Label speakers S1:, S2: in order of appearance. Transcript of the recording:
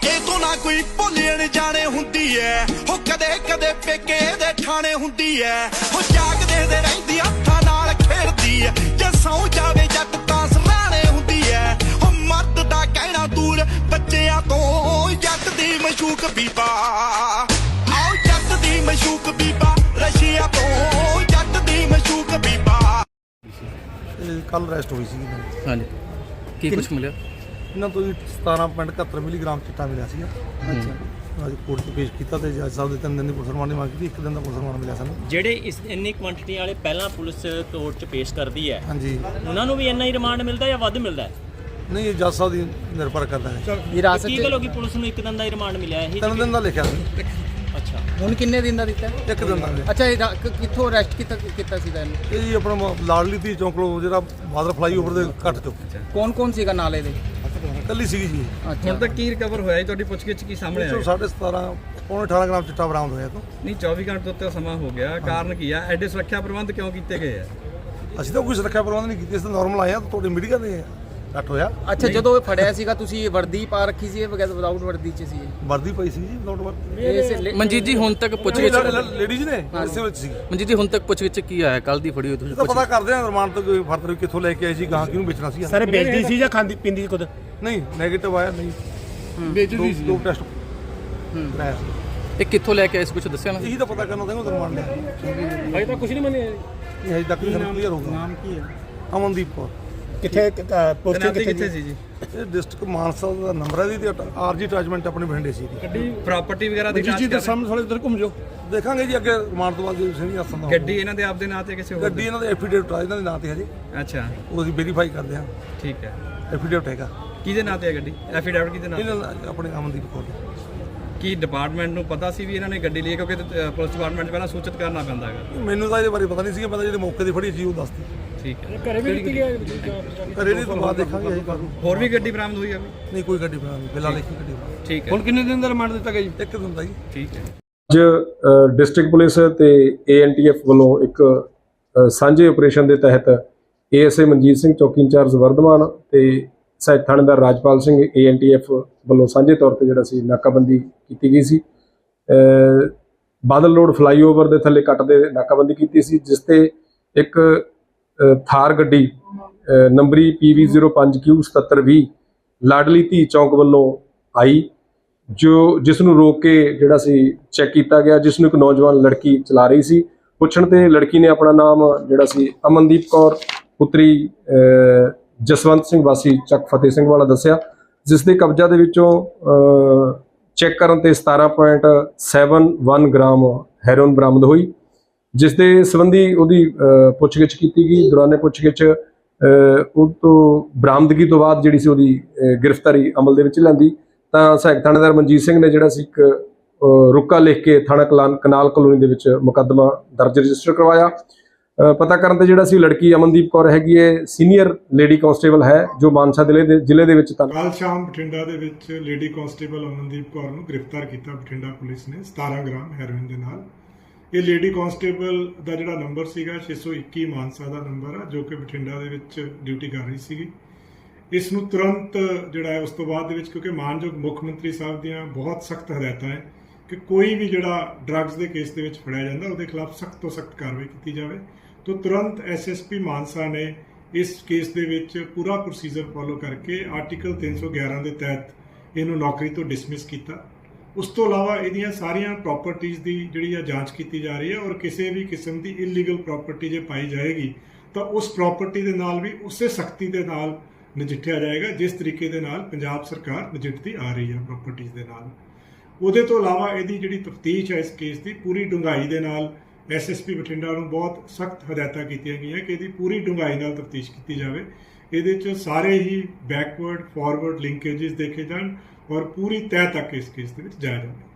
S1: ਇਹ ਤੋਂ ਨਾ ਕੋਈ ਭੁੱਲਣ ਜਾਣੇ ਹੁੰਦੀ ਐ ਹੋ ਕਦੇ ਕਦੇ ਪੇਕੇ ਦੇ ਠਾਣੇ ਹੁੰਦੀ ਐ ਹੋ ਜਾਗਦੇ ਦੇ ਰਹਿੰਦੀ ਹੱਥਾਂ ਨਾਲ ਖੇਡਦੀ ਐ ਜੇ ਸੌ ਜਾਵੇ ਜੱਟ ਤਾਂ ਸਰਾਣੇ ਹੁੰਦੀ ਐ ਹੋ ਮਰਦ ਦਾ ਕਹਿਣਾ ਦੂਰ ਬੱਚਿਆਂ ਤੋਂ ਜੱਟ ਦੀ ਮਸ਼ੂਕ ਬੀਬਾ ਆਓ ਜੱਟ ਦੀ ਮਸ਼ੂਕ ਬੀਬਾ ਰਸ਼ੀਆ ਤੋਂ ਜੱਟ ਦੀ ਮਸ਼ੂਕ ਬੀਬਾ
S2: ਕੱਲ ਅਰੈਸਟ ਹੋਈ ਸੀ
S3: ਹਾਂਜੀ ਕੀ ਕੁਛ ਮਿਲਿਆ
S2: ਇਹਨਾਂ ਤੋਂ ਜੀ 17.71 ਮਿਲੀਗ੍ਰਾਮ ਚਿੱਟਾ ਮਿਲਿਆ ਸੀਗਾ। ਅੱਛਾ ਅੱਜ ਕੋਰਟ 'ਚ ਪੇਸ਼ ਕੀਤਾ ਤੇ ਜੱਜ ਸਾਹਿਬ ਦੇ 3 ਦਿਨ ਦੀ ਪੁਲਿਸ ਰਿਮਾਂਡ ਦੀ ਮੰਗ ਕੀਤੀ, 1 ਦਿਨ ਦਾ ਪੁਲਿਸ ਰਿਮਾਂਡ ਮਿਲਿਆ ਸਾਨੂੰ।
S4: ਜਿਹੜੇ ਇਸ ਇੰਨੀ ਕੁਆਂਟੀਟੀ ਵਾਲੇ ਪਹਿਲਾਂ ਪੁਲਿਸ ਕੋਰਟ 'ਚ ਪੇਸ਼ ਕਰਦੀ ਹੈ
S2: ਹਾਂਜੀ
S4: ਉਹਨਾਂ ਨੂੰ ਵੀ ਇੰਨਾ ਹੀ ਰਿਮਾਂਡ ਮਿਲਦਾ ਜਾਂ ਵੱਧ ਮਿਲਦਾ ਹੈ?
S2: ਨਹੀਂ ਇਹ ਜੱਜ ਸਾਹਿਬ ਦੀ ਨਿਰਭਰ ਕਰਦਾ ਹੈ।
S3: ਵਿਰਾਸਤ
S4: ਕੀ ਗੱਲ ਹੋ ਗਈ ਪੁਲਿਸ ਨੂੰ 1 ਦਿਨ ਦਾ ਹੀ ਰਿਮਾਂਡ ਮਿਲਿਆ ਇਹ?
S2: 3 ਦਿਨ ਦਾ ਲਿਖਿਆ ਸੀ,
S4: ਅੱਛਾ
S3: ਹੁਣ ਕਿੰਨੇ ਦਿਨ ਦਾ ਦਿੱਤਾ
S2: 1 ਦਿਨ ਦਾ ਮਿਲਿਆ।
S3: ਅੱਛਾ ਇਹ ਕਿੱਥੋਂ ਅਰੈਸਟ ਕੀਤਾ ਸੀ ਇਹਨੂੰ?
S2: ਇਹ ਜੀ ਆਪਣਾ ਲਾਡਲੀ ਧੀ ਚੌਂਕ ਲੋ ਜਿਹੜਾ ਬਾਦਰ ਫਲਾਈਓਵਰ ਦੇ ਘੱਟ ਚੁੱਕ
S3: ਕੌਣ ਸੀਗਾ ਨਾਲੇ ਦੇ?
S2: ਕੱਲੀ ਸੀਗੀ ਜੀ।
S5: ਹੁਣ ਤੱਕ ਕੀ ਰਿਕਵਰ ਹੋਇਆ ਜੀ? ਤੁਹਾਡੀ ਪੁੱਛਗਿੱਛ ਕੀ ਸਾਹਮਣੇ ਆਇਆ?
S2: 17.5 ਪੌਣੇ 18 ਗ੍ਰਾਮ ਚਿੱਟਾ ਬਰਾਮਦ ਹੋਇਆ ਤੋਂ।
S5: ਨਹੀਂ 24 ਘੰਟੇ ਤੋਂ ਉੱਤੇ ਸਮਾਂ ਹੋ ਗਿਆ, ਕਾਰਨ ਕੀ ਆ? ਐਡੇ ਸੁਰੱਖਿਆ ਪ੍ਰਬੰਧ ਕਿਉਂ ਕੀਤੇ ਗਏ ਆ?
S2: ਅਸੀਂ ਤਾਂ ਕੋਈ ਸੁਰੱਖਿਆ ਪ੍ਰਬੰਧ ਨਹੀਂ ਕੀਤੇ, ਅਸੀਂ ਤਾਂ ਨਾਰਮਲ ਆਏ ਆ। ਤੁਹਾਡੇ ਮੀਡੀਆ ਦੇ ਘੱਟ ਹੋਇਆ।
S3: ਅੱਛਾ ਜਦੋਂ ਇਹ ਫੜਿਆ ਸੀਗਾ ਤੁਸੀਂ ਵਰਦੀ ਪਾ ਰੱਖੀ ਸੀ ਬਗੈਰ ਵਿਦਆਊਟ ਵਰਦੀ ਚ ਸੀ?
S2: ਵਰਦੀ ਪਈ ਸੀ ਜੀ, ਵਿਦਆਊਟ ਵਰਦੀ।
S6: ਮਨਜੀਤ ਜੀ ਹੁਣ ਤੱਕ ਪੁੱਛਗਿੱਛ
S2: ਲੇਡੀਜ਼ ਨੇ ਇਸੇ ਵਿੱਚ ਸੀ।
S6: ਮਨਜੀਤ ਜੀ ਹੁਣ ਤੱਕ ਪੁੱਛਗਿੱਛ ਕੀ ਆਇਆ ਕੱਲ ਦੀ ਫੜੀ ਹੋਈ ਤੁਸੀਂ?
S2: ਤਾਂ ਪਤਾ ਕਰਦੇ ਆ ਰਿਮਾਂਡ ਤੋਂ ਕੋਈ ਫਰਦਰ ਕਿੱਥੋਂ ਲੈ ਕੇ ਆਏ ਸੀ, ਗਾਂ ਕਿਹਨੂੰ ਵੇਚਣਾ ਸੀ।
S7: ਸਰ ਵੇਚਦੀ ਸੀ ਜਾਂ ਖਾਂਦੀ ਪੀਂਦੀ ਸੀ ਖੁਦ?
S2: ਨਹੀਂ ਨੈਗੇਟਿਵ ਆਇਆ, ਨਹੀਂ ਵੇਚਦੀ ਸੀ। 2 ਟੈਸਟ ਕਰਾਇਆ ਸੀ।
S6: ਇਹ ਕਿੱਥੋਂ ਲੈ ਕੇ ਆਏ ਸੀ ਕੁਝ ਦੱਸਿਆ ਨਾ?
S2: ਇਹੀ ਤਾਂ ਪਤਾ ਕਰਨਾ ਚਾਹੁੰਦਾ ਰਿਮਾਂਡ ਲਿਆ।
S7: ਅਜੇ ਤਾਂ ਕੁਝ ਨਹੀਂ ਮੰਨਿਆ।
S2: ਇਹ ਹਜੇ ਤੱਕ ਨਹੀਂ ਕਲੀਅਰ ਹੋਊਗਾ।
S7: ਨਾਮ ਕੀ ਹੈ?
S2: ਅਮਨਦੀਪ ਕੌਰ।
S7: ਕਿੱਥੇ ਪੋਸਟਿੰਗ
S5: ਕਿੱਥੇ ਸੀ ਜੀ?
S2: ਇਹ ਡਿਸਟ੍ਰਿਕਟ ਮਾਨਸਾ ਦਾ ਨੰਬਰ ਹੈ ਦੀ ਆਰਜੀ ਅਟੈਚਮੈਂਟ ਆਪਣੇ ਬਠਿੰਡੇ ਸੀ।
S5: ਗੱਡੀ ਪ੍ਰਾਪਰਟੀ ਵਗੈਰਾ ਦੀ
S7: ਜੀ ਦੇ ਸਾਹਮਣੇ ਥੋੜੇ ਇੱਧਰ ਘੁੰਮ ਜਾਓ,
S2: ਦੇਖਾਂਗੇ ਜੀ ਅੱਗੇ ਰਿਮਾਂਡ ਤੋਂ ਬਾਅਦ ਜੇ ਨਹੀਂ ਆਸੰਦਾ।
S5: ਗੱਡੀ ਇਹਨਾਂ ਦੇ ਆਪਦੇ ਨਾਂ ਤੇ ਕਿਸੇ ਹੋਰ?
S2: ਗੱਡੀ ਇਹਨਾਂ ਦੇ ਐਫੀਡੇਵਿਟ ਆ, ਇਹਨਾਂ ਦੇ ਨਾਂ ਤੇ ਹਜੇ
S5: ਅੱਛਾ
S2: ਉਹ ਅਸੀਂ ਵੈਰੀਫਾਈ ਕਰਦੇ ਹਾਂ।
S5: ਠੀਕ ਹੈ।
S2: ਐਫੀਡੇਵਿਟ ਹੈਗਾ
S5: ਕਿਹਦੇ ਨਾਂ ਤੇ ਹੈ ਗੱਡੀ? ਐਫੀਡੈਵਿਟ ਕਿਹਦੇ ਨਾਂ ਤੇ?
S2: ਇਹਨਾਂ ਦਾ ਆਪਣੇ ਅਮਨਦੀਪ ਕੌਰ ਦਾ।
S5: ਕੀ ਡਿਪਾਰਟਮੈਂਟ ਨੂੰ ਪਤਾ ਸੀ ਵੀ ਇਹਨਾਂ ਨੇ ਗੱਡੀ ਲਈ? ਕਿਉਂਕਿ ਪੁਲਿਸ ਡਿਪਾਰਟਮੈਂਟ 'ਚ ਪਹਿਲਾਂ ਸੂਚਿਤ ਕਰਨਾ ਪੈਂਦਾ ਹੈਗਾ।
S2: ਮੈਨੂੰ ਤਾਂ ਇਹਦੇ ਬਾਰੇ ਪਤਾ ਨਹੀਂ ਸੀਗਾ, ਮੈਂ ਤਾਂ ਜਿਹੜੇ ਮੌਕੇ ਦੀ ਫੜੀ ਸੀ ਉਹ ਦੱਸਦੀ।
S5: ਠੀਕ ਹੈ।
S7: ਘਰੇ ਵੀ ਨਿਕਲ ਗਿਆ।
S2: ਘਰੇ ਨਹੀਂ ਤੋਂ ਬਾਅਦ ਦੇਖਾਂਗੇ ਅਸੀਂ ਕਾਹਨੂੰ।
S5: ਹੋਰ ਵੀ ਗੱਡੀ ਬਰਾਮਦ ਹੋਈ ਆ?
S2: ਨਹੀਂ ਕੋਈ ਗੱਡੀ ਬਣਾ ਨਹੀਂ, ਫਿਲਹਾਲ ਇੱਕ ਹੀ ਗੱਡੀ ਬਣਾ।
S5: ਠੀਕ ਹੈ।
S7: ਹੁਣ ਕਿੰਨੇ ਦਿਨ ਦਾ ਰਿਮਾਂਡ ਦਿੱਤਾ ਗਿਆ ਜੀ?
S2: 1 ਦਿਨ ਦਾ ਜੀ।
S5: ਠੀਕ ਹੈ।
S8: ਅੱਜ ਡਿਸਟ੍ਰਿਕਟ ਪੁਲਿਸ ਤੇ ANTF ਵੱਲੋਂ ਇੱਕ ਸਾਂਝੇ ਆਪਰੇਸ਼ਨ ਦੇ ਤਹਿਤ ASA ਮਨਜੀਤ ਸਿੰਘ ਚੌਕੀ ਇੰਚਾਰਜ ਵਰਧਮਾਨ ਤੇ ਸਹਾਇਕ ਥਾਣੇਦਾਰ ਰਾਜਪਾਲ ਸਿੰਘ ANTF ਵੱਲੋਂ ਸਾਂਝੇ ਤੌਰ ਤੇ ਜਿਹੜਾ ਸੀ ਨਾਕਾਬੰਦੀ ਕੀਤੀ ਗਈ ਸੀ। ਬਾਦਲ ਰੋਡ ਫਲਾਈਓਵਰ ਦੇ ਥੱਲੇ ਕੱਟ ਦੇ ਨਾਕਾਬੰਦੀ ਕੀਤੀ ਸੀ, ਜਿਸ ਤੇ ਇੱਕ ਥਾਰ ਗੱਡੀ ਨੰਬਰੀ PV05Q7720 ਲਾਡਲੀ ਧੀ ਚੌਂਕ ਵੱਲੋਂ ਆਈ, ਜਿਸ ਨੂੰ ਰੋਕ ਕੇ ਜਿਹੜਾ ਸੀ ਚੈੱਕ ਕੀਤਾ ਗਿਆ, ਜਿਸ ਨੂੰ ਇੱਕ ਨੌਜਵਾਨ ਲੜਕੀ ਚਲਾ ਰਹੀ ਸੀ। ਪੁੱਛਣ ਤੇ ਲੜਕੀ ਨੇ ਆਪਣਾ ਨਾਮ ਜਿਹੜਾ ਸੀ ਅਮਨਦੀਪ ਕੌਰ ਪੁੱਤਰੀ ਜਸਵੰਤ ਸਿੰਘ ਵਾਸੀ ਚੱਕ ਫਤਿਹ ਸਿੰਘ ਵਾਲਾ ਦੱਸਿਆ, ਜਿਸ ਦੇ ਕਬਜ਼ਾ ਦੇ ਵਿੱਚੋਂ ਚੈੱਕ ਕਰਨ ਤੇ 17.71 ਗ੍ਰਾਮ ਹੈਰੋਇਨ ਬਰਾਮਦ ਹੋਈ, ਜਿਸ ਦੇ ਸੰਬੰਧੀ ਉਹਦੀ ਪੁੱਛਗਿੱਛ ਕੀਤੀ ਗਈ। ਦੌਰਾਨੇ ਪੁੱਛਗਿੱਛ ਉਹ ਤੋਂ ਬਰਾਮਦਗੀ ਤੋਂ ਬਾਅਦ ਜਿਹੜੀ ਸੀ ਉਹਦੀ ਗ੍ਰਿਫਤਾਰੀ ਅਮਲ ਦੇ ਵਿੱਚ ਲੈਂਦੀ ਤਾਂ ਸਹਾਇਕ ਥਾਣੇਦਾਰ ਮਨਜੀਤ ਸਿੰਘ ਨੇ ਜਿਹੜਾ ਸੀ ਇੱਕ ਰੁਕਾ ਲਿਖ ਕੇ ਥਾਣਾ ਕਨਾਲ ਕਲੋਨੀ ਦੇ ਵਿੱਚ ਮੁਕੱਦਮਾ ਦਰਜ ਰਜਿਸਟਰ ਕਰਵਾਇਆ। ਪਤਾ ਕਰਨ ਤੇ ਜਿਹੜਾ ਸੀ ਲੜਕੀ ਅਮਨਦੀਪ ਕੌਰ ਹੈਗੀ ਹੈ, ਸੀਨੀਅਰ ਲੇਡੀ ਕਾਂਸਟੇਬਲ ਹੈ, ਜੋ ਮਾਨਸਾ ਜ਼ਿਲ੍ਹੇ ਦੇ ਵਿੱਚ
S9: ਕੱਲ ਸ਼ਾਮ ਬਠਿੰਡਾ ਦੇ ਵਿੱਚ ਲੇਡੀ ਕਾਂਸਟੇਬਲ ਅਮਨਦੀਪ ਕੌਰ ਨੂੰ ਗ੍ਰਿਫਤਾਰ ਕੀਤਾ ਬਠਿੰਡਾ ਪੁਲਿਸ ਨੇ 17 ਗ੍ਰਾਮ ਹੈਰੋਇਨ ਦੇ ਨਾਲ। ਇਹ ਲੇਡੀ ਕਾਂਸਟੇਬਲ ਦਾ ਜਿਹੜਾ ਨੰਬਰ ਸੀਗਾ 621 ਮਾਨਸਾ ਦਾ ਨੰਬਰ ਆ, ਜੋ ਕਿ ਬਠਿੰਡਾ ਦੇ ਵਿੱਚ ਡਿਊਟੀ ਕਰ ਰਹੀ ਸੀਗੀ। ਇਸ ਨੂੰ ਤੁਰੰਤ ਜਿਹੜਾ ਹੈ ਉਸ ਤੋਂ ਬਾਅਦ ਦੇ ਵਿੱਚ, ਕਿਉਂਕਿ ਮਾਨਯੋਗ ਮੁੱਖ ਮੰਤਰੀ ਸਾਹਿਬ ਦੀਆਂ ਬਹੁਤ ਸਖਤ ਹਦਾਇਤਾਂ ਹੈ ਕਿ ਕੋਈ ਵੀ ਜਿਹੜਾ ਡਰੱਗਸ ਦੇ ਕੇਸ ਦੇ ਵਿੱਚ ਫੜਿਆ ਜਾਂਦਾ ਉਹਦੇ ਖਿਲਾਫ ਸਖਤ ਤੋਂ ਸਖਤ ਕਾਰਵਾਈ ਕੀਤੀ ਜਾਵੇ, ਤਾਂ ਤੁਰੰਤ SSP ਮਾਨਸਾ ਨੇ ਇਸ ਕੇਸ ਦੇ ਵਿੱਚ ਪੂਰਾ ਪ੍ਰੋਸੀਜਰ ਫੋਲੋ ਕਰਕੇ ਆਰਟੀਕਲ 311 ਦੇ ਤਹਿਤ ਇਹਨੂੰ ਨੌਕਰੀ ਤੋਂ ਡਿਸਮਿਸ ਕੀਤਾ। ਉਸ ਤੋਂ ਇਲਾਵਾ ਇਹਦੀਆਂ ਸਾਰੀਆਂ ਪ੍ਰਾਪਰਟੀਆਂ ਦੀ ਜਿਹੜੀ ਆ ਜਾਂਚ ਕੀਤੀ ਜਾ ਰਹੀ ਹੈ, ਔਰ ਕਿਸੇ ਵੀ ਕਿਸਮ ਦੀ ਇਲੀਗਲ ਪ੍ਰਾਪਰਟੀ ਜੇ ਪਾਈ ਜਾਏਗੀ ਤਾਂ ਉਸ ਪ੍ਰਾਪਰਟੀ ਦੇ ਨਾਲ ਵੀ ਉਸੇ ਸਖਤੀ ਦੇ ਨਾਲ ਨਜਿੱਠਿਆ ਜਾਏਗਾ ਜਿਸ ਤਰੀਕੇ ਦੇ ਨਾਲ ਪੰਜਾਬ ਸਰਕਾਰ ਨਜਿੱਠਦੀ ਆ ਰਹੀ ਹੈ ਪ੍ਰਾਪਰਟੀਆਂ ਦੇ ਨਾਲ। ਉਹਦੇ ਤੋਂ ਇਲਾਵਾ ਇਹਦੀ ਜਿਹੜੀ ਤਫਤੀਸ਼ ਹੈ ਇਸ ਕੇਸ ਦੀ ਪੂਰੀ ਡੂੰਘਾਈ ਦੇ ਨਾਲ SSP ਬਠਿੰਡਾ ਨੂੰ ਬਹੁਤ ਸਖਤ ਹਦਾਇਤਾਂ ਕੀਤੀਆਂ ਗਈਆਂ ਕਿ ਇਹਦੀ ਪੂਰੀ ਡੂੰਘਾਈ ਨਾਲ ਤਫਤੀਸ਼ ਕੀਤੀ ਜਾਵੇ। ਇਹਦੇ 'ਚ ਸਾਰੇ ਹੀ ਬੈਕਵਰਡ ਫਾਰਵਰਡ ਲਿੰਕੇजेस ਦੇਖੇ ਜਾਣ ਔਰ ਪੂਰੀ ਤਹਿ ਤੱਕ ਇਸ ਕੇਸ ਦੇ ਵਿੱਚ ਜਾਇਆ ਜਾਵੇ।